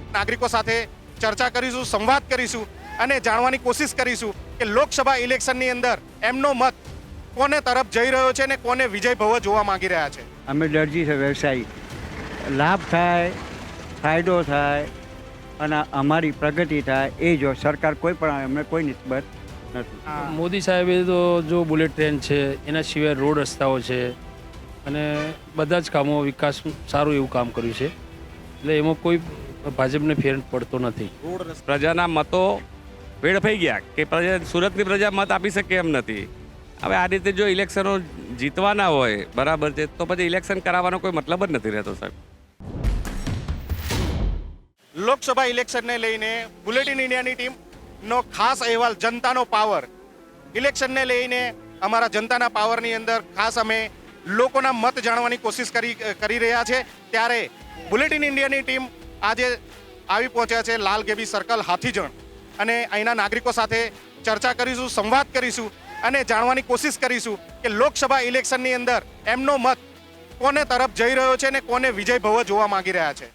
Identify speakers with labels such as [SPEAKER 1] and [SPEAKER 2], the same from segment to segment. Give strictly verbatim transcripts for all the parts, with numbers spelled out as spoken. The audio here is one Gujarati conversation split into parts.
[SPEAKER 1] નાગરિકો સાથે ચર્ચા કરીશું, સંવાદ કરીશું અને જાણવાની કોશિશ કરીશું કે લોકસભા ઇલેક્શનની અંદર એમનો મત કોને તરફ જઈ રહ્યો છે અને કોને વિજય ભવ જોવા માંગી રહ્યા છે.
[SPEAKER 2] અમે દરજી છે, વ્યવસાયી. લાભ થાય, ફાયદો થાય અને અમારી પ્રગતિ થાય એ જો સરકાર કોઈ પણ અમને કોઈ નિસ્બત નથી.
[SPEAKER 3] મોદી સાહેબે તો જો બુલેટ ટ્રેન છે, એના સિવાય રોડ રસ્તાઓ છે અને બધા જ કામો વિકાસ સારું એવું કામ કર્યું છે, એટલે એમાં કોઈ ભાજપને ફેર પડતો નથી.
[SPEAKER 4] પ્રજાના મતો વેડફાઈ ગયા કે પ્રજા સુરતની પ્રજા મત આપી શકે એમ નથી. હવે આ રીતે જો ઇલેક્શનો જીતવાના હોય બરાબર છે તો પછી ઇલેક્શન કરાવવાનો કોઈ મતલબ જ નથી રહેતો સાહેબ.
[SPEAKER 1] લોકસભા ઇલેક્શનને લઈને બુલેટિન ઇન્ડિયાની ટીમનો ખાસ અહેવાલ જનતાનો પાવર. ઇલેક્શનને લઈને અમારા જનતાના પાવરની અંદર ખાસ અમે લોકોના મત જાણવાની કોશિશ કરી કરી રહ્યા છે. ત્યારે બુલેટિન ઇન્ડિયાની ટીમ આજે આવી પહોંચ્યા છે લાલ ગેબી સર્કલ હાથીજણ અને અહીંના નાગરિકો સાથે ચર્ચા કરીશું, સંવાદ કરીશું અને જાણવાની કોશિશ કરીશું કે લોકસભા ઇલેક્શનની અંદર એમનો મત કોને તરફ જઈ રહ્યો છે અને કોને વિજય ભવ જોવા માંગી રહ્યા છે.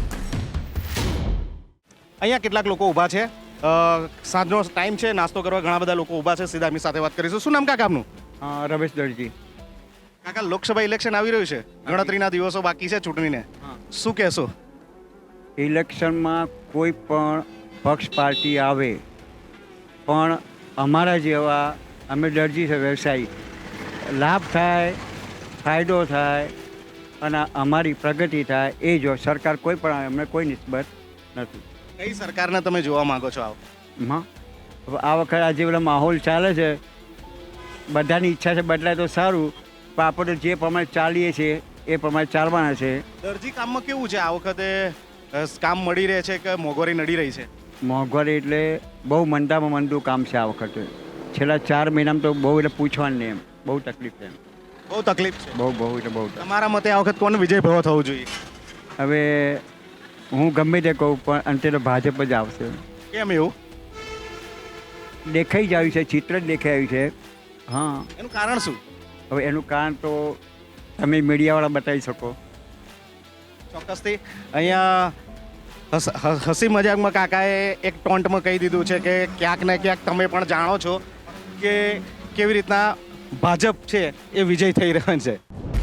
[SPEAKER 1] અહીંયા કેટલાક લોકો ઊભા છે. સાંજનો ટાઈમ છે, નાસ્તો કરવા ઘણા બધા લોકો ઊભા છે. સીધા એમની સાથે વાત કરીશું. શું નામ કાકા આપનું?
[SPEAKER 2] હા, રમેશ દરજી.
[SPEAKER 1] કાકા, લોકસભા ઇલેક્શન આવી રહ્યું છે, ગણતરીના દિવસો બાકી છે ચૂંટણીને, શું કહેશો?
[SPEAKER 2] ઇલેક્શનમાં કોઈ પણ પક્ષ પાર્ટી આવે પણ અમારા જેવા અમે દરજી છે, વ્યવસાયી. લાભ થાય, ફાયદો થાય અને અમારી પ્રગતિ થાય એ જો સરકાર કોઈ પણ અમને કોઈ નિસ્બત નથી.
[SPEAKER 1] કઈ સરકારને તમે જોવા માંગો છો? આવો
[SPEAKER 2] હા, આ વખતે આજે પેલા માહોલ ચાલે છે, બધાની ઈચ્છા છે બદલાય તો સારું, પણ આપણે જે પ્રમાણે ચાલીએ છીએ એ પ્રમાણે ચાલવાના છે.
[SPEAKER 1] દરજી કામમાં કેવું છે આ વખતે? કામ મળી રહે છે કે મોંઘવારી નડી રહી છે?
[SPEAKER 2] મોંઘવારી એટલે બહુ મંદામાં મંદું કામ છે આ વખતે. છેલ્લા ચાર મહિનામાં તો બહુ એટલે પૂછવાનું નહીં, એમ બહુ તકલીફ છે. એમ
[SPEAKER 1] બહુ તકલીફ છે.
[SPEAKER 2] બહુ બહુ એટલે બહુ.
[SPEAKER 1] તમારા મતે આ વખત કોને વિજય ભવ થવું જોઈએ?
[SPEAKER 2] હવે હું ગમે તે કહું પણ અંતે તો ભાજપ જ આવશે.
[SPEAKER 1] કેમ એવું?
[SPEAKER 2] દેખાઈ જ આવ્યું છે, ચિત્ર જ દેખાઈ આવ્યું છે. હા,
[SPEAKER 1] એનું કારણ શું?
[SPEAKER 2] હવે એનું કારણ તો તમે મીડિયાવાળા બતાવી શકો.
[SPEAKER 1] ચોક્કસથી અહીંયા હસી મજાકમાં કાકાએ એક ટોન્ટમાં કહી દીધું છે કે ક્યાંક ને ક્યાંક તમે પણ જાણો છો કે કેવી રીતના ભાજપ છે એ વિજય થઈ રહ્યો છે.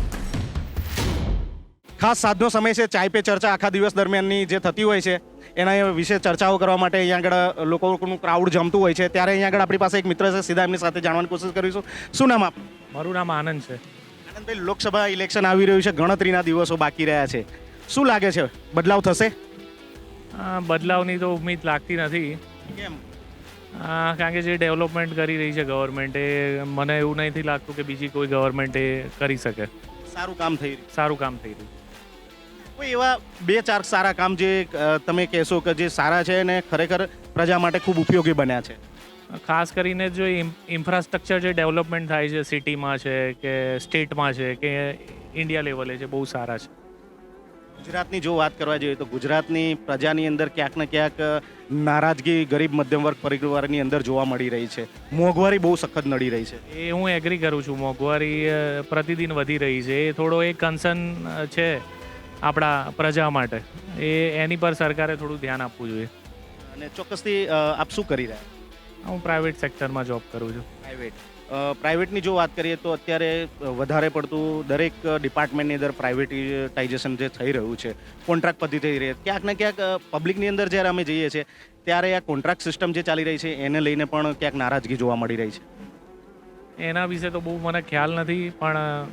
[SPEAKER 1] ખાસ સાંજનો સમય છે, ચાય પે ચર્ચા આખા દિવસ દરમિયાનની જે થતી હોય છે એના વિશે ચર્ચાઓ કરવા માટે અહીંયા આગળ લોકોનું ક્રાઉડ જમતું હોય છે. ત્યારે અહીંયા આગળ આપણી પાસે એક મિત્ર છે, સીધા એમની સાથે જાણવાની કોશિશ કરીશું. શું નામ આપનું?
[SPEAKER 5] મારું નામ આનંદ છે.
[SPEAKER 1] આનંદભાઈ, લોકસભા ઇલેક્શન આવી રહ્યું છે, ગણતરીના દિવસો બાકી રહ્યા છે, શું લાગે છે બદલાવ થશે?
[SPEAKER 5] બદલાવની તો ઉમ્મીદ લાગતી નથી.
[SPEAKER 1] કેમ?
[SPEAKER 5] કારણ કે જે ડેવલપમેન્ટ કરી રહી છે ગવર્મેન્ટ એ મને એવું નથી લાગતું કે બીજી કોઈ ગવર્મેન્ટ એ કરી શકે.
[SPEAKER 1] સારું કામ થઈ રહ્યું?
[SPEAKER 5] સારું કામ થઈ રહ્યું.
[SPEAKER 1] કોઈ એવા બે ચાર સારા કામ જે તમે કહેશો કે જે સારા છે અને ખરેખર પ્રજા માટે ખૂબ ઉપયોગી બન્યા છે?
[SPEAKER 5] ખાસ કરીને જો ઇન્ફ્રાસ્ટ્રક્ચર જે ડેવલપમેન્ટ થાય છે સિટીમાં છે કે સ્ટેટમાં છે કે ઇન્ડિયા લેવલે છે, બહુ સારા છે.
[SPEAKER 1] ગુજરાતની જો વાત કરવા જોઈએ તો ગુજરાતની પ્રજાની અંદર ક્યાંક ને ક્યાંક નારાજગી ગરીબ મધ્યમ વર્ગ પરિવારની અંદર જોવા મળી રહી છે. મોંઘવારી બહુ સખત નડી રહી છે.
[SPEAKER 5] એ હું એગ્રી કરું છું. મોંઘવારી પ્રતિદિન વધી રહી છે, એ થોડો એક કન્સર્ન છે આપણા પ્રજા માટે. એ એની પર સરકારે થોડું ધ્યાન આપવું જોઈએ.
[SPEAKER 1] અને ચોક્કસથી આપ શું કરી રહ્યા?
[SPEAKER 5] હું પ્રાઇવેટ સેક્ટરમાં જોબ કરું છું.
[SPEAKER 1] પ્રાઇવેટ પ્રાઇવેટની જો વાત કરીએ તો અત્યારે વધારે પડતું દરેક ડિપાર્ટમેન્ટની અંદર પ્રાઇવેટાઇઝેશન જે થઈ રહ્યું છે, કોન્ટ્રાક્ટ પદ્ધતિ થઈ રહી છે, ક્યાંક ને ક્યાંક પબ્લિકની અંદર જ્યારે અમે જઈએ છીએ ત્યારે આ કોન્ટ્રાક્ટ સિસ્ટમ જે ચાલી રહી છે એને લઈને પણ ક્યાંક નારાજગી જોવા મળી રહી છે.
[SPEAKER 5] એના વિશે તો બહુ મને ખ્યાલ નથી, પણ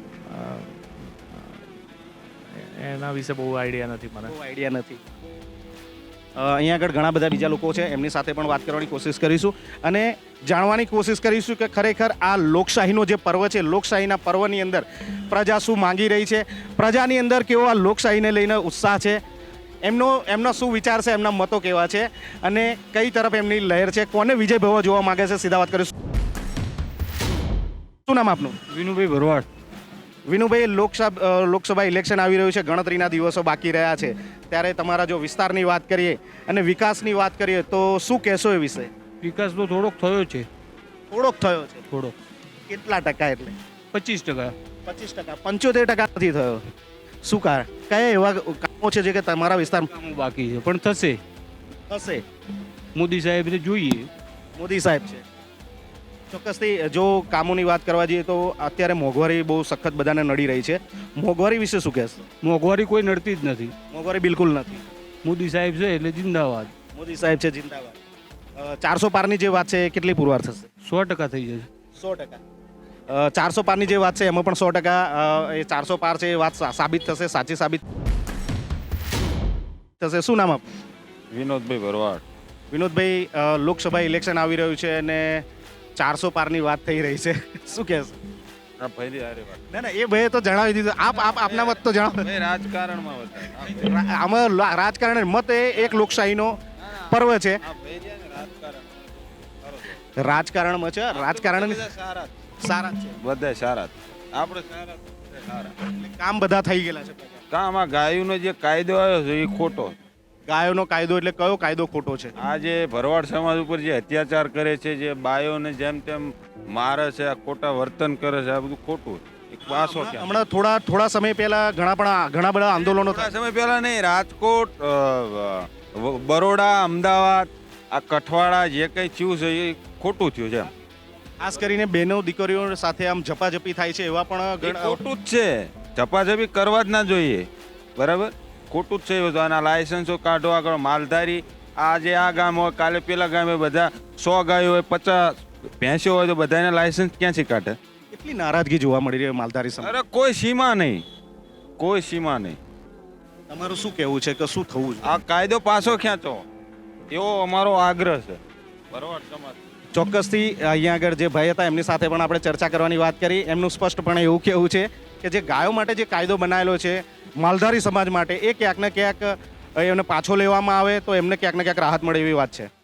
[SPEAKER 5] એના વિશે બહુ આઈડિયા નથી મને.
[SPEAKER 1] બહુ આઈડિયા નથી. અહીંયા આગળ ઘણા બધા બીજા લોકો છે, એમની સાથે પણ વાત કરવાની કોશિશ કરીશું અને જાણવાની કોશિશ કરીશું કે ખરેખર આ લોકશાહીનો જે પર્વ છે, લોકશાહીના પર્વની અંદર પ્રજા શું માંગી રહી છે, પ્રજાની અંદર કેવો આ લોકશાહીને લઈને ઉત્સાહ છે, એમનો એમનો શું વિચાર છે, એમના મતો કેવા છે અને કઈ તરફ એમની લહેર છે, કોને વિજય ભવ જોવા માંગે છે, સીધા વાત કરીશું. શું નામ આપનું?
[SPEAKER 2] વિનુભાઈ ભરવાડ.
[SPEAKER 1] વિનુભાઈ, લોકસભા લોકસભા ઇલેક્શન આવી રહ્યું છે, ગણતરીના દિવસો બાકી રહ્યા છે, ત્યારે તમારા જો વિસ્તારની વાત કરીએ અને વિકાસની વાત કરીએ તો શું કહેશો એ વિશે?
[SPEAKER 6] વિકાસ તો થોડોક થયો છે.
[SPEAKER 1] થોડોક થયો છે?
[SPEAKER 6] થોડોક.
[SPEAKER 1] કેટલા ટકા? એટલે
[SPEAKER 6] પચીસ ટકા.
[SPEAKER 1] પચીસ ટકા. પંચોતેર ટકા નથી થયો. શું કારણ? કયા એવા ઓછે છે કે તમારા વિસ્તારમાં
[SPEAKER 6] કામો બાકી છે પણ થશે.
[SPEAKER 1] થશે?
[SPEAKER 6] મોદી સાહેબને જોઈએ.
[SPEAKER 1] મોદી સાહેબ છે ચોક્કસથી. જો કામોની વાત કરવા જઈએ તો અત્યારે મોંઘવારી બહુ સખત બધાને નડી રહી છે. મોંઘવારી વિશે શું કહેશો?
[SPEAKER 6] મોંઘવારી કોઈ નડતી જ નથી.
[SPEAKER 1] મોંઘવારી બિલકુલ નથી.
[SPEAKER 6] મોદી સાહેબ છે એટલે જિંદાબાદ.
[SPEAKER 1] મોદી સાહેબ છે જિંદાબાદ. ચારસો પારની જે વાત છે એ કેટલી પુરવાર થશે?
[SPEAKER 6] સો ટકા થઈ જશે.
[SPEAKER 1] સો ટકા. ચારસો પારની જે વાત છે એમાં પણ સો ટકા અ, એ ચારસો પાર છે એ વાત સા- સાબિત થશે, સાચી સાબિત થશે. શું નામ આપ?
[SPEAKER 7] વિનોદભાઈ ભરવાડ.
[SPEAKER 1] વિનોદભાઈ, અ, લોકસભા ઇલેક્શન આવી રહ્યું છે અને ચારસો પારની વાત થઈ રહી છે. શું કહેશો?
[SPEAKER 7] આ ભાઈની હારે વાત.
[SPEAKER 1] ના ના, એ ભાઈએ તો જણાવી દીધું. આપ આપ આપના મત તો જણાવો.
[SPEAKER 7] ભાઈ રાજકારણમાં વધારે.
[SPEAKER 1] રા- આમાં લા- રાજકારણ મત એ એક લોકશાહીનો પર્વ છે.
[SPEAKER 7] આ ભાઈ છે ને રાજકારણ.
[SPEAKER 1] રાજકારણમાં છે, રાજકારણ
[SPEAKER 7] બધા સારા જ.
[SPEAKER 1] સારા જ છે.
[SPEAKER 7] બધા સારા જ. આપણે સારા જ, બધા સારા.
[SPEAKER 1] એટલે કામ બધા થઈ ગયેલા છે.
[SPEAKER 7] કામ આ ગાયોનો જે કાયદો આવ્યો છે એ ખોટો.
[SPEAKER 1] ગાયોનો કાયદો એટલે કયો કાયદો ખોટો છે?
[SPEAKER 7] આ જે ભરવાડ સમાજ ઉપર જે અત્યાચાર કરે છે, જે બાયોને જેમ તેમ મારે છે, આ ખોટા વર્તન કરે છે, આ બધું ખોટું. એક પાસો ક્યાં?
[SPEAKER 1] હમણાં થોડા થોડા સમય પહેલા ઘણા પણ ઘણા બધા આંદોલનો
[SPEAKER 7] થોડા
[SPEAKER 1] થયા.
[SPEAKER 7] સમય પહેલા નહીં, રાજકોટ, અ, વ- બરોડા, અમદાવાદ, આ કઠવાડા જે કંઈ થયું છે એ ખોટું થયું છે.
[SPEAKER 1] ખાસ કરીને બહેનો દીકરીઓ સાથે આમ ઝપાઝપી થાય છે એવા પણ
[SPEAKER 7] એ
[SPEAKER 1] ઘણા-
[SPEAKER 7] ખોટું જ છે. ઝપાઝપી કરવા જ ના જોઈએ. બરાબર, ખોટું જ છે એ બધું. આના લાયસન્સો કાઢો આગળ. માલધારી આજે આ ગામ હોય, કાલે પેલા ગામે બધા સો ગાયો હોય, પચાસ ભેંસો હોય, તો બધાને લાયસન્સ ક્યાંથી કાઢે?
[SPEAKER 1] કેટલી નારાજગી જોવા મળી રહી છે માલધારી સમાજ.
[SPEAKER 7] અરે કોઈ સીમા નહીં, કોઈ સીમા નહીં.
[SPEAKER 1] તમારું શું કહેવું છે કે શું થવું જોઈએ?
[SPEAKER 7] આ કાયદો પાછો ખેંચો એવો અમારો આગ્રહ છે. બરોબર સમાજ.
[SPEAKER 1] ચોક્કસથી અહીંયા આગળ જે ભાઈ હતા એમની સાથે પણ આપણે ચર્ચા કરવાની વાત કરી. એમનું સ્પષ્ટપણે એવું કહેવું છે કે જે ગાયો માટે જે કાયદો બનાવેલો છે માલધારી સમાજ માટે, એ ક્યાંક ને ક્યાંક એમને પાછો લેવામાં આવે તો એમને ક્યાંક ને ક્યાંક રાહત મળે એવી વાત છે.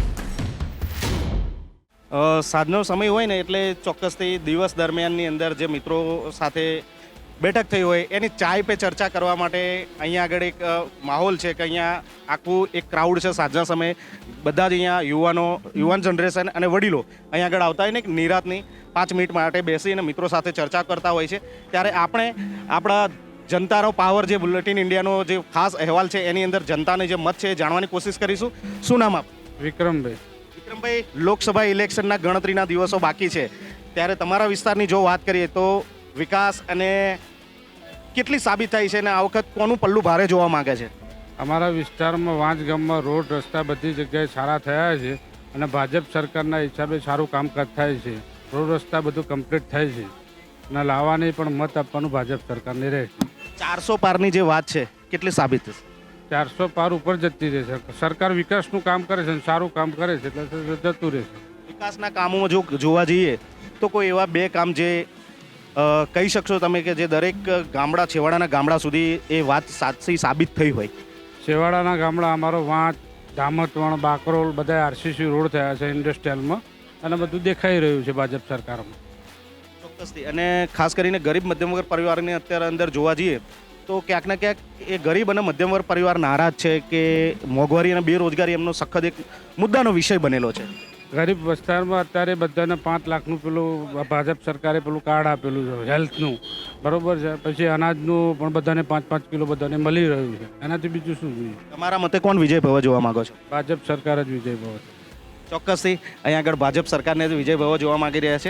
[SPEAKER 1] અ, સાંજનો સમય હોય ને એટલે ચોક્કસથી દિવસ દરમિયાનની અંદર જે મિત્રો સાથે બેઠક થઈ હોય એની ચાય પે ચર્ચા કરવા માટે અહીંયા આગળ એક અ, માહોલ છે કે અહીંયા આખું એક ક્રાઉડ છે. સાંજના સમયે બધા જ અહીંયા યુવાનો, યુવાન જનરેશન અને વડીલો અહીંયા આગળ આવતા હોય ને એક નિરાતની પાંચ મિનિટ માટે બેસીને મિત્રો સાથે ચર્ચા કરતા હોય છે. ત્યારે આપણે આપણા જનતાનો પાવર જે બુલેટિન ઇન્ડિયાનો જે ખાસ અહેવાલ છે એની અંદર જનતાને જે મત છે એ જાણવાની કોશિશ કરીશું. શું નામ આપ?
[SPEAKER 6] વિક્રમભાઈ.
[SPEAKER 1] વિક્રમભાઈ, લોકસભા ઇલેક્શનના ગણતરીના દિવસો બાકી છે ત્યારે તમારા વિસ્તારની જો વાત કરીએ તો વિકાસ અને કેટલી સાબિત થાય છે અને આ વખત કોનું પલ્લું ભારે જોવા માંગે છે?
[SPEAKER 8] અમારા વિસ્તારમાં વાંચ ગામમાં રોડ રસ્તા બધી જગ્યાએ સારા થયા છે અને ભાજપ સરકારના હિસાબે સારું કામકાજ થાય છે. રોડ રસ્તા બધું કમ્પ્લીટ થાય છે અને લાવવાની પણ મત આપવાનું ભાજપ સરકારને રહે છે.
[SPEAKER 1] ચારસો પારની જે વાત છે કેટલી સાબિત થશે?
[SPEAKER 8] ચારસો પાર ઉપર જતી રહેશે. સરકાર વિકાસનું કામ કરે છે અને સારું કામ કરે છે એટલે જતું રહેશે.
[SPEAKER 1] વિકાસના કામોમાં જો જોવા જઈએ તો કોઈ એવા બે કામ જે અ, કહી શકશો તમે કે જે દરેક ગામડા, છેવાડાના ગામડા સુધી એ વાત સાચી સાબિત થઈ હોય?
[SPEAKER 8] છેવાડાના ગામડા અમારો વાંચ, દામતવણ, બાકરોલ બધા આરસીસી રોડ થયા છે ઇન્ડસ્ટ્રીયલમાં અને બધું દેખાઈ રહ્યું છે ભાજપ સરકારમાં.
[SPEAKER 1] ચોક્કસથી. અને ખાસ કરીને ગરીબ મધ્યમ વર્ગ પરિવારની અત્યારે અંદર જોવા જઈએ તો ક્યાંક ને ક્યાંક એ ગરીબ અને મધ્યમ વર્ગ પરિવાર નારાજ છે કે મોંઘવારી અને બેરોજગારી એમનો સખત એક મુદ્દાનો વિષય બનેલો છે.
[SPEAKER 8] ગરીબ વિસ્તારમાં અત્યારે બધાને પાંચ લાખનું પેલું ભાજપ સરકારે પેલું કાર્ડ આપેલું છે હેલ્થનું, બરોબર છે. પછી અનાજનું પણ બધાને પાંચ પાંચ કિલો બધાને મળી રહ્યું છે. એનાથી બીજું શું જોઈએ?
[SPEAKER 1] તમારા મતે કોણ વિજય ભવ જોવા માંગો છો?
[SPEAKER 8] ભાજપ સરકાર જ વિજય ભવ છે.
[SPEAKER 1] ચોક્કસથી અહીંયા આગળ ભાજપ સરકારને જ વિજય ભવ જોવા માંગી રહ્યા છે.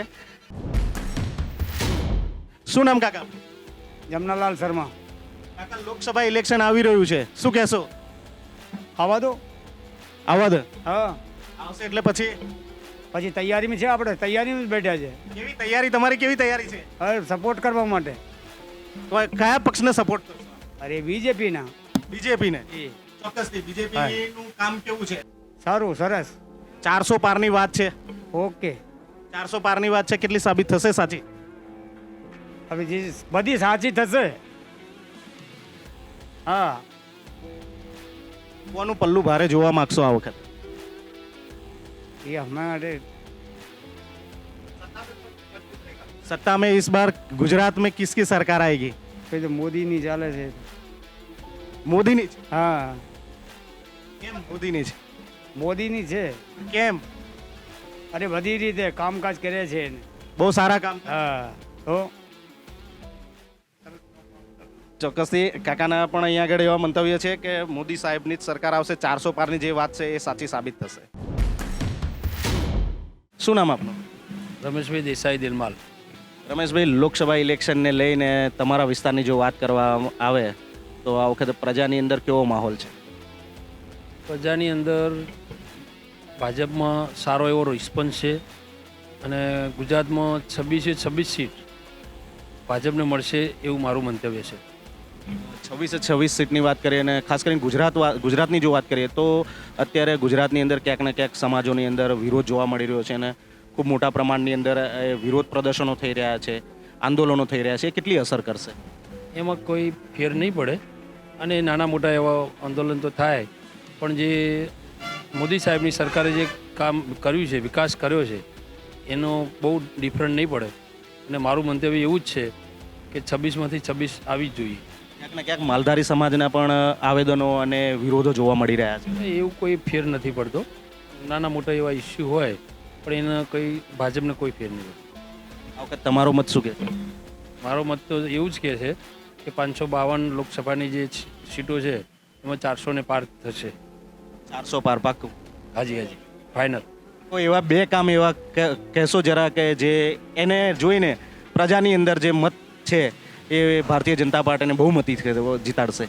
[SPEAKER 1] શું નામ કાકા?
[SPEAKER 2] જમનાલાલ શર્મા.
[SPEAKER 1] કાકા, લોકસભા ઇલેક્શન આવી રહ્યું છે, શું કહેશો?
[SPEAKER 2] આવા દો.
[SPEAKER 1] આવવા દે.
[SPEAKER 2] હા,
[SPEAKER 1] આવશે એટલે પછી
[SPEAKER 2] પછી તૈયારીમાં છે, આપણે તૈયારીમાં જ બેઠા છે.
[SPEAKER 1] કેવી તૈયારી, તમારી કેવી તૈયારી છે?
[SPEAKER 2] હવે સપોર્ટ કરવા માટે.
[SPEAKER 1] તો કયા પક્ષને સપોર્ટ કરશો?
[SPEAKER 2] અરે બીજેપીના.
[SPEAKER 1] બીજેપીને. ચોક્કસથી. બીજેપી નું કામ કેવું છે?
[SPEAKER 2] સારું, સરસ.
[SPEAKER 1] ચારસો પારની વાત છે.
[SPEAKER 2] ઓકે.
[SPEAKER 1] ચારસો પારની વાત છે, કેટલી સાબિત થશે સાચી?
[SPEAKER 2] હવે જે બધી સાચી થશે. હા.
[SPEAKER 1] કોનું પલ્લું ભારે જોવા માંગશો આ વખત?
[SPEAKER 2] ये हमारे
[SPEAKER 1] सत्ता में इस बार गुजरात में किसकी सरकार आएगी?
[SPEAKER 2] पे जो मोदी नहीं चाले છે.
[SPEAKER 1] મોદીની જ.
[SPEAKER 2] હા,
[SPEAKER 1] કેમ મોદીની જ?
[SPEAKER 2] મોદીની છે.
[SPEAKER 1] કેમ?
[SPEAKER 2] અરે બધી રીતે કામકાજ કરે છે.
[SPEAKER 1] બહુ સારા કામ.
[SPEAKER 2] હા, તો
[SPEAKER 1] ચોક્કસથી કાકાના પણ અહીંયા આગળ એવા મંતવ્ય છે કે મોદી સાહેબની જ સરકાર આવશે, ચારસો પારની જે વાત છે એ સાચી સાબિત થશે. શું નામ આપનું?
[SPEAKER 3] રમેશભાઈ દેસાઈ દિલમાલ.
[SPEAKER 1] રમેશભાઈ, લોકસભા ઇલેક્શનને લઈને તમારા વિસ્તારની જો વાત કરવા આવે તો આ વખતે પ્રજાની અંદર કેવો માહોલ છે?
[SPEAKER 3] પ્રજાની અંદર ભાજપમાં સારો એવો રિસ્પોન્સ છે અને ગુજરાતમાં છવ્વીસે છવ્વીસ સીટ ભાજપને મળશે એવું મારું મંતવ્ય છે.
[SPEAKER 1] છવ્વીસે છવ્વીસ સીટની વાત કરીએ અને ખાસ કરીને ગુજરાત વા- ગુજરાતની જો વાત કરીએ તો અત્યારે ગુજરાતની અંદર ક્યાંક ને ક્યાંક સમાજોની અંદર વિરોધ જોવા મળી રહ્યો છે અને ખૂબ મોટા પ્રમાણની અંદર એ વિરોધ પ્રદર્શનો થઈ રહ્યા છે, આંદોલનો થઈ રહ્યા છે. એ કેટલી અસર કરશે?
[SPEAKER 3] એમાં કોઈ ફેર નહીં પડે અને નાના મોટા એવા આંદોલન તો થાય, પણ જે મોદી સાહેબની સરકારે જે કામ કર્યું છે, વિકાસ કર્યો છે, એનો બહુ ડિફરન્ટ નહીં પડે અને મારું મંતવ્ય એવું જ છે કે છવ્વીસમાંથી છવ્વીસ આવી જ જોઈએ.
[SPEAKER 1] ક્યાંક ને ક્યાંક માલધારી સમાજના પણ આવેદનો અને વિરોધો જોવા મળી રહ્યા છે.
[SPEAKER 3] એવું કોઈ ફેર નથી પડતો. નાના મોટા એવા ઇસ્યુ હોય પણ એના કોઈ ભાજપને કોઈ ફેર નહીં પડતો.
[SPEAKER 1] આ વખત તમારો મત શું કહે છે?
[SPEAKER 3] મારો મત તો એવું જ કહે છે કે પાંચસો બાવન લોકસભાની જે સીટો છે એમાં ચારસો ને પાર થશે.
[SPEAKER 1] ચારસો પાર પાક્કું?
[SPEAKER 3] હાજી હાજી ફાઇનલ.
[SPEAKER 1] કોઈ એવા બે કામ એવા કે- કહેશો જરા કે જે એને જોઈને પ્રજાની અંદર જે મત છે એ ભારતીય જનતા પાર્ટીને બહુમતી જીતાડશે?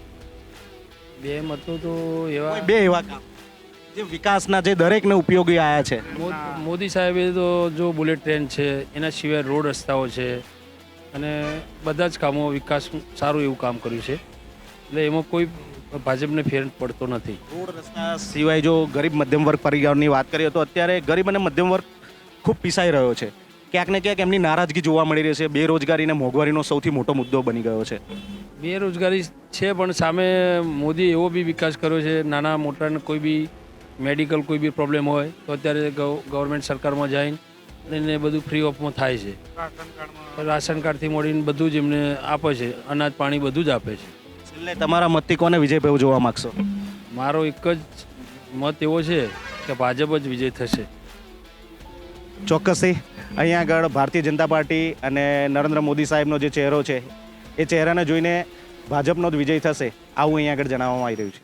[SPEAKER 3] બે મતો તો એવા
[SPEAKER 1] કોઈ બે એવા કામ જે વિકાસના જે દરેકને ઉપયોગી આવ્યા છે.
[SPEAKER 3] મો- મોદી સાહેબે તો જો બુલેટ ટ્રેન છે, એના સિવાય રોડ રસ્તાઓ છે અને બધા જ કામો વિકાસ સારું એવું કામ કર્યું છે, એટલે એમાં કોઈ ભાજપને ફેર પડતો નથી.
[SPEAKER 1] રોડ રસ્તા સિવાય જો ગરીબ મધ્યમ વર્ગ પરિવારની વાત કરીએ તો અત્યારે ગરીબ અને મધ્યમ વર્ગ ખૂબ પીસાઈ રહ્યો છે. ક્યાંક ને ક્યાંક એમની નારાજગી જોવા મળી રહી છે. બેરોજગારી અને મોંઘવારીનો સૌથી મોટો મુદ્દો બની ગયો છે.
[SPEAKER 3] બેરોજગારી છે પણ સામે મોદીએ એવો બી વિકાસ કર્યો છે, નાના મોટાને કોઈ બી મેડિકલ કોઈ બી પ્રોબ્લેમ હોય તો અત્યારે ગવ- ગવર્મેન્ટ સરકારમાં જઈને અને એને બધું ફ્રી ઓફમાં થાય છે. રાશન કાર્ડથી મળીને બધું જ એમને આપે છે, અનાજ પાણી બધું જ આપે છે.
[SPEAKER 1] છેલ્લે તમારા મતથી કોને વિજય જોવા માંગશો?
[SPEAKER 3] મારો એક જ મત એવો છે કે ભાજપ જ વિજય થશે.
[SPEAKER 1] ચોક્કસથી અહીંયા આગળ ભારતીય જનતા પાર્ટી અને નરેન્દ્ર મોદી સાહેબનો જે ચહેરો છે એ ચહેરાને જોઈને ભાજપનો જ વિજય થશે આવું અહીંયા આગળ જણાવવામાં આવી રહ્યું છે.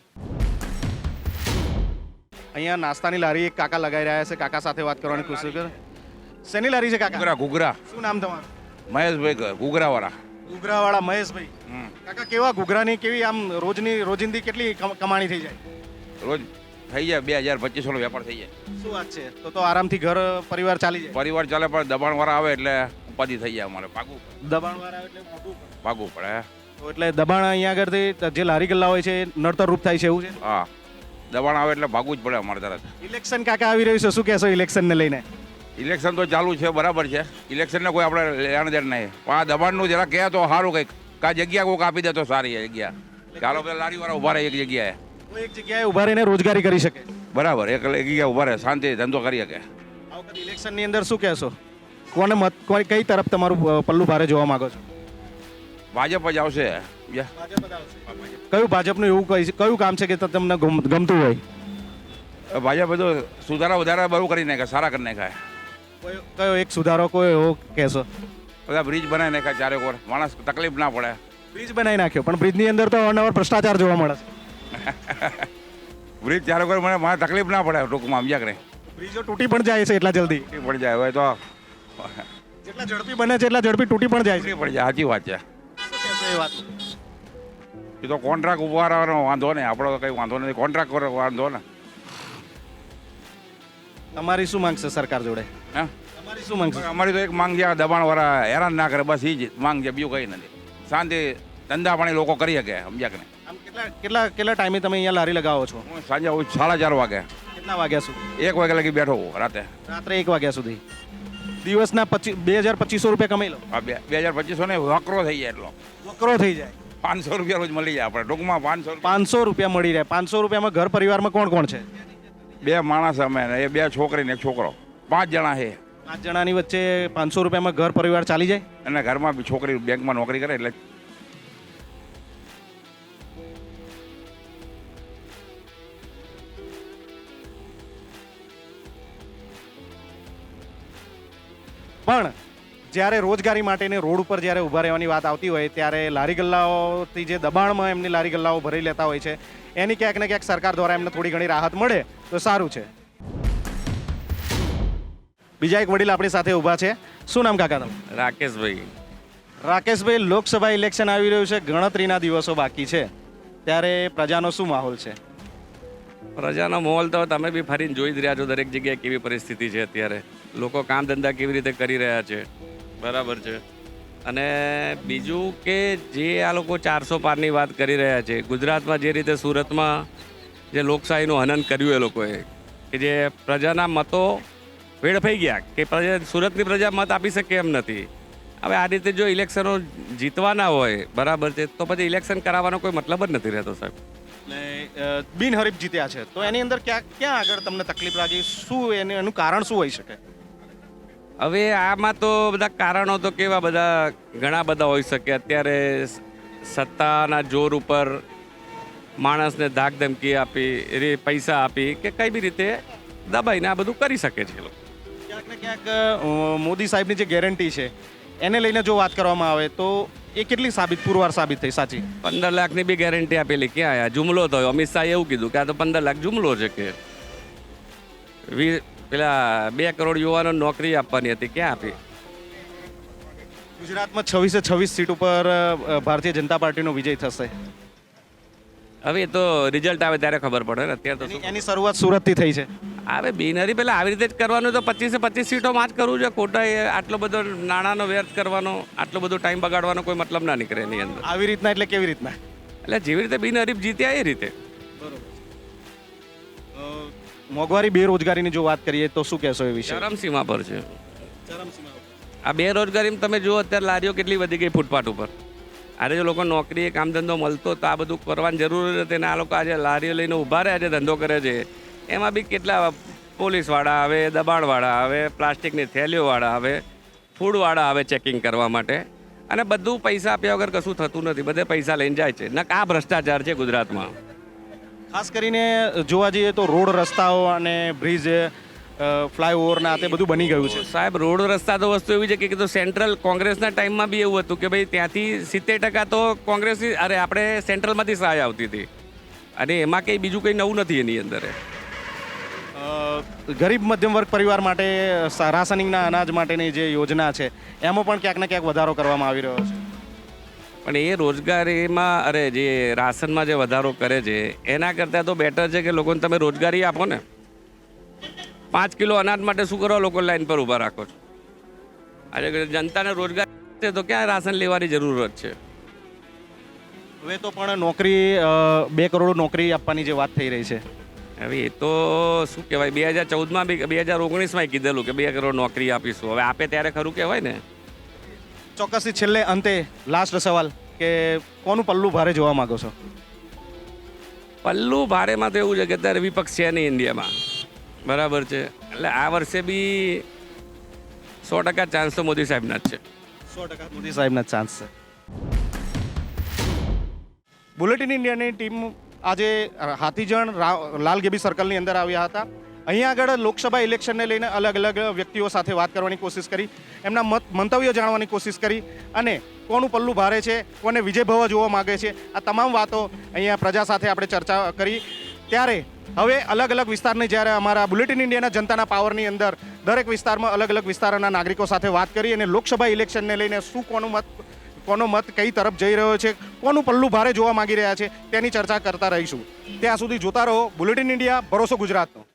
[SPEAKER 1] અહીંયા નાસ્તાની લારી એક કાકા લગાવી રહ્યા છે. કાકા સાથે વાત કરવાની કોશિશ કર. શેની લારી છે કાકા?
[SPEAKER 9] ઘૂઘરા ઘૂઘરા
[SPEAKER 1] શું નામ તમારું?
[SPEAKER 9] મહેશભાઈ ઘૂઘરાવાળા
[SPEAKER 1] ઘૂઘરાવાળા મહેશભાઈ.
[SPEAKER 9] હમ.
[SPEAKER 1] કાકા, કેવા ઘૂઘરાની કેવી આમ રોજની રોજિંદી કેટલી કમ- કમાણી થઈ જાય?
[SPEAKER 9] રોજ થઈ જાય બે હજાર પચીસો નો વેપાર થઈ જાય.
[SPEAKER 1] શું વાત છે? તો તો આરામથી ઘર પરિવાર ચાલી જાય.
[SPEAKER 9] પરિવાર ચાલે પણ દબાણવાળા આવે એટલે ઉપાધિ થઈ જાય અમારે પાકું
[SPEAKER 1] દબાણવાળા એટલે મોટું પડે.
[SPEAKER 9] પાકું પડે.
[SPEAKER 1] તો એટલે દબાણ અહીંયા આગળથી જે લારી ગલ્લા હોય છે એ નડતર રૂપ થાય છે એવું છે?
[SPEAKER 9] હા, દબાણ આવે એટલે ભાગવું જ પડે અમારે તરત.
[SPEAKER 1] ઇલેક્શન કાકા આવી રહ્યું છે, શું કહેશો ઇલેક્શનને લઈને?
[SPEAKER 9] ઇલેક્શન તો ચાલુ છે, બરાબર છે. ઇલેક્શનને કોઈ આપણે લેણ દેણ નહીં, પણ આ દબાણનું જરા કહે તો સારું કંઈક. કા જગ્યા કોઈક આપી દે તો સારી એ જગ્યા. ચાલો પેલા લારીવાળા ઉભા રહે એક જગ્યાએ,
[SPEAKER 1] કોઈ એક જગ્યાએ ઉભા રહીને રોજગારી કરી શકે.
[SPEAKER 9] બરાબર. એક એક જગ્યાએ ઉભા રહે, શાંતિ ધંધો કરી શકે.
[SPEAKER 1] આ વખતે ઇલેક્શનની અંદર શું કહેશો? કોને મત કોઈ કઈ તરફ તમારું અ, પલ્લું ભારે જોવા માંગો છો?
[SPEAKER 9] ભાજપ જ આવશે. યા.
[SPEAKER 1] કયું ભાજપનું એવું કઈ કયું કામ છે કે ત- તમને ગમ- ગમતું હોય?
[SPEAKER 9] ભાજપ બધું સુધારા વધારા બહુ કરી નાખે, સારા કરી નાખાય.
[SPEAKER 1] કયો કયો એક સુધારો કોઈ એવો કહેશો?
[SPEAKER 9] બધા બ્રિજ બનાવી નાખ્યા ચારે કોર, માણસ તકલીફ ના પડે.
[SPEAKER 1] બ્રિજ બનાવી નાખ્યો, પણ બ્રિજની અંદર તો અવારનવાર ભ્રષ્ટાચાર જોવા મળે છે.
[SPEAKER 9] બ્રિજ ચારે કોર મને મારે તકલીફ ના પડે ટૂંકમાં, સમજ્યા કે નહીં?
[SPEAKER 1] બ્રિજો તૂટી પણ જાય છે એટલા જલ્દી.
[SPEAKER 9] તૂટી પડી જાય હવે તો
[SPEAKER 1] જેટલા ઝડપી બને છે એટલા ઝડપી તૂટી પણ જાય છે.
[SPEAKER 9] તૂટી પડી જાય, સાચી વાત છે.
[SPEAKER 1] શું કહેશો એ વાત?
[SPEAKER 9] એ તો કોન્ટ્રાક્ટ ઉભારવાનો વાંધો નહીં, આપણો તો કંઈ વાંધો નથી. કોન્ટ્રાક્ટ કરો વાંધો ને.
[SPEAKER 1] તમારી શું માંગ છે સરકાર જોડે?
[SPEAKER 9] હા,
[SPEAKER 1] તમારી શું માંગ છે?
[SPEAKER 9] અમારી તો એક માંગ છે, આ દબાણવાળા હેરાન ના કરે, બસ એ જ માંગ છે, બીજું કંઈ નથી. શાંતિ ધંધા પાણી લોકો કરી શકે, સમજ્યા કે નહીં?
[SPEAKER 1] આમ કેટલા કેટલા કેટલા ટાઈમે તમે અહીંયા લારી લગાવો છો?
[SPEAKER 9] હું સાંજે આવું સાડા ચાર વાગે,
[SPEAKER 1] કેટલા વાગ્યા સુધી?
[SPEAKER 9] એક વાગે લગી બેઠો હોઉં રાતે.
[SPEAKER 1] રાત્રે એક વાગ્યા સુધી. દિવસના પચીસ બે હજાર પચીસો રૂપિયા કમાઈ લો.
[SPEAKER 9] આ બે બે હજાર પચીસો ને વકરો થઈ જાય એટલો.
[SPEAKER 1] વકરો થઈ જાય.
[SPEAKER 9] પાંચસો રૂપિયા રોજ મળી જાય આપણે ટૂંકમાં. પાંચસો રૂપિયા
[SPEAKER 1] પાંચસો રૂપિયા મળી રહે. પાંચસો રૂપિયામાં ઘર પરિવારમાં કોણ કોણ છે?
[SPEAKER 9] બે માણસ અમે ને એ બે છોકરી ને એક છોકરો, પાંચ જણા છે.
[SPEAKER 1] પાંચ જણાની વચ્ચે પાંચસો રૂપિયામાં ઘર પરિવાર ચાલી જાય?
[SPEAKER 9] અને ઘરમાં બી છોકરી બેંકમાં નોકરી કરે એટલે
[SPEAKER 1] પણ જ્યારે રોજગારી માટેની રોડ ઉપર જ્યારે ઊભા રહેવાની વાત આવતી હોય ત્યારે લારી ગલ્લાઓથી જે દબાણમાં એમની લારી ગલ્લાઓ ભરી લેતા હોય છે એની ક્યાંક ને ક્યાંક સરકાર દ્વારા એમને થોડી ઘણી રાહત મળે તો સારું છે. બીજા એક વડીલ આપણી સાથે ઊભા છે. શું નામ કાકા તમે?
[SPEAKER 4] રાકેશભાઈ.
[SPEAKER 1] રાકેશભાઈ, લોકસભા ઇલેક્શન આવી રહ્યું છે, ગણતરીના દિવસો બાકી છે, ત્યારે પ્રજાનો શું માહોલ છે?
[SPEAKER 4] પ્રજાનો માહોલ તો તમે બી ફરીને જોઈ જ રહ્યા છો દરેક જગ્યાએ કેવી પરિસ્થિતિ છે અત્યારે. લોકો કામ ધંધા કેવી રીતે કરી રહ્યા છે, બરાબર છે. અને બીજું કે જે આ લોકો ચારસો પારની વાત કરી રહ્યા છે, ગુજરાતમાં જે રીતે સુરતમાં જે લોકશાહીનું હનન કર્યું એ લોકોએ, કે જે પ્રજાના મતો વેડફાઈ ગયા, કે પ્રજા સુરતની પ્રજા મત આપી શકે એમ નથી. હવે આ રીતે જો ઇલેક્શનો જીતવાના હોય, બરાબર છે, તો પછી ઇલેક્શન કરાવવાનો કોઈ મતલબ જ નથી રહેતો સાહેબ.
[SPEAKER 1] એટલે બિનહરીફ જીત્યા છે તો એની અંદર ક્યાં ક્યાં આગળ તમને તકલીફ લાગી? શું એને એનું કારણ શું હોઈ શકે?
[SPEAKER 4] હવે આમાં તો બધા કારણો તો કેવા બધા ઘણા બધા હોઈ શકે. અત્યારે સત્તાના જોર ઉપર માણસને ધાક ધમકી આપી, એ પૈસા આપી કે કઈ બી રીતે દબાઈને આ બધું કરી શકે છે લોકો.
[SPEAKER 1] ક્યાંક ને ક્યાંક અ, મોદી સાહેબની જે ગેરંટી છે એને લઈને જો વાત કરવામાં આવે તો એ કેટલી સાબિત પુરવાર સાબિત થઈ સાચી?
[SPEAKER 4] પંદર લાખની બી ગેરંટી આપેલી, ક્યાં આયા? જુમલો થયો. અમિત શાહે એવું કીધું કે આ તો પંદર લાખ જુમલો છે, કે વી પેલા બે કરોડ યુવાનો નોકરી આપવાની હતી, ક્યાં આપી?
[SPEAKER 1] ગુજરાતમાં છવ્વીસે છવ્વીસ સીટ ઉપર અ, ભારતીય જનતા પાર્ટીનો વિજય થશે.
[SPEAKER 4] હવે એ તો રિઝલ્ટ આવે ત્યારે ખબર પડે ને. અત્યારે તો
[SPEAKER 1] એની
[SPEAKER 4] શું
[SPEAKER 1] એની શરૂઆત સુરતથી થઈ છે.
[SPEAKER 4] હવે બિનહરી પેલા આવી રીતે જ કરવાનું, તો પચીસે પચીસ સીટોમાં જ કરવું છે. ખોટા એ આટલો બધો નાણાંનો વ્યર્થ કરવાનો, આટલો બધો ટાઈમ બગાડવાનો કોઈ મતલબ ના નીકળે એની અંદર.
[SPEAKER 1] આવી રીતના એટલે કેવી રીતના?
[SPEAKER 4] એટલે જેવી રીતે બિનહરીફ જીત્યા એ રીતે.
[SPEAKER 1] અ, મોંઘવારી બેરોજગારીની જો વાત કરીએ તો શું કહેશો એ વિશે?
[SPEAKER 4] ચરમસીમા પર છે આ બેરોજગારી. તમે જુઓ અત્યારે લારીઓ કેટલી વધી ગઈ ફૂટપાથ ઉપર. આજે જો લોકો નોકરી કામ ધંધો મળતો તો આ બધું કરવાની જરૂર નથી ને આ લોકો આજે લારીઓ લઈને ઊભા રહ્યા છે, ધંધો કરે છે. એમાં બી કેટલા પોલીસવાળા આવે, દબાણવાળા આવે, પ્લાસ્ટિકની થેલીઓવાળા આવે, ફૂડવાળા આવે ચેકિંગ કરવા માટે. અને બધું પૈસા આપ્યા વગર કશું થતું નથી, બધે પૈસા લઈને જાય છે. ના આ ભ્રષ્ટાચાર છે ગુજરાતમાં.
[SPEAKER 1] ખાસ કરીને જોવા જઈએ તો રોડ રસ્તાઓ અને બ્રિજ ફ્લાયઓવરના તે બધું બની ગયું છે.
[SPEAKER 4] સાહેબ રોડ રસ્તા તો વસ્તુ એવી છે કે તો સેન્ટ્રલ કોંગ્રેસના ટાઈમમાં બી એવું હતું કે ભાઈ ત્યાંથી સિત્તેર ટકા તો કોંગ્રેસની અરે આપણે સેન્ટ્રલમાંથી સહાય આવતી હતી. અને એમાં કંઈ બીજું કંઈ નવું નથી એની અંદર.
[SPEAKER 1] અ, ગરીબ મધ્યમ વર્ગ પરિવાર માટે સા- રાશનિંગના અનાજ માટેની જે યોજના છે એમાં પણ ક્યાંક ને ક્યાંક વધારો કરવામાં આવી રહ્યો છે.
[SPEAKER 4] પણ એ રોજગારીમાં અરે જે રાશનમાં જે વધારો કરે છે એના કરતાં તો બેટર છે કે લોકોને તમે રોજગારી આપો ને. પાંચ કિલો અનાજ માટે શું કરો? લોકો લાઈન પર ઊભા રાખો છો. આજે જનતાને રોજગાર છે તો ક્યાં રાશન લેવાની જરૂરત છે?
[SPEAKER 1] હવે તો પણ નોકરી અ, બે કરોડ નોકરી આપવાની જે વાત થઈ રહી છે.
[SPEAKER 4] હવે એ તો શું કહેવાય, બે હજાર ચૌદમાં બી બે હજાર ઓગણીસમાં કીધેલું કે બે કરોડ નોકરી આપીશું. હવે આપે ત્યારે ખરું કહેવાય ને.
[SPEAKER 1] ચોક્કસથી છેલ્લે અંતે લાસ્ટ સવાલ કે કોનું પલ્લું ભારે જોવા માંગો છો?
[SPEAKER 4] પલ્લું ભારેમાં તો એવું છે કે અત્યારે વિપક્ષ છે નહીં ઇન્ડિયામાં, બરાબર છે. એટલે આ વર્ષે બી સો ટકા ચાન્સ તો મોદી સાહેબના જ છે.
[SPEAKER 1] સો ટકા મોદી સાહેબના ચાન્સ છે. બુલેટિન ઇન્ડિયાની ટીમ આજે હાથીજણ રા- લાલગેબી સર્કલની અંદર આવ્યા હતા. અહીંયા આગળ લોકસભા ઇલેક્શનને લઈને અલગ અલગ વ્યક્તિઓ સાથે વાત કરવાની કોશિશ કરી, એમના મત મંતવ્યો જાણવાની કોશિશ કરી અને કોનું પલ્લું ભારે છે, કોને વિજયભવ જોવા માગે છે, આ તમામ વાતો અહીંયા પ્રજા સાથે આપણે ચર્ચા કરી. ત્યારે હવે અલગ અલગ વિસ્તારની જ્યારે અમારા બુલેટિન ઇન્ડિયાના જનતાના પાવરની અંદર દરેક વિસ્તારમાં અલગ અલગ વિસ્તારોના નાગરિકો સાથે વાત કરી અને લોકસભા ઇલેક્શનને લઈને શું કોનું મત કોનો મત કઈ તરફ જઈ રહ્યો છે, કોનું પલ્લું ભારે જોવા માંગી રહ્યા છે તેની ચર્ચા કરતા રહીશું. ત્યાં સુધી જોતા રહો બુલેટિન ઇન્ડિયા, ભરોસો ગુજરાતનો.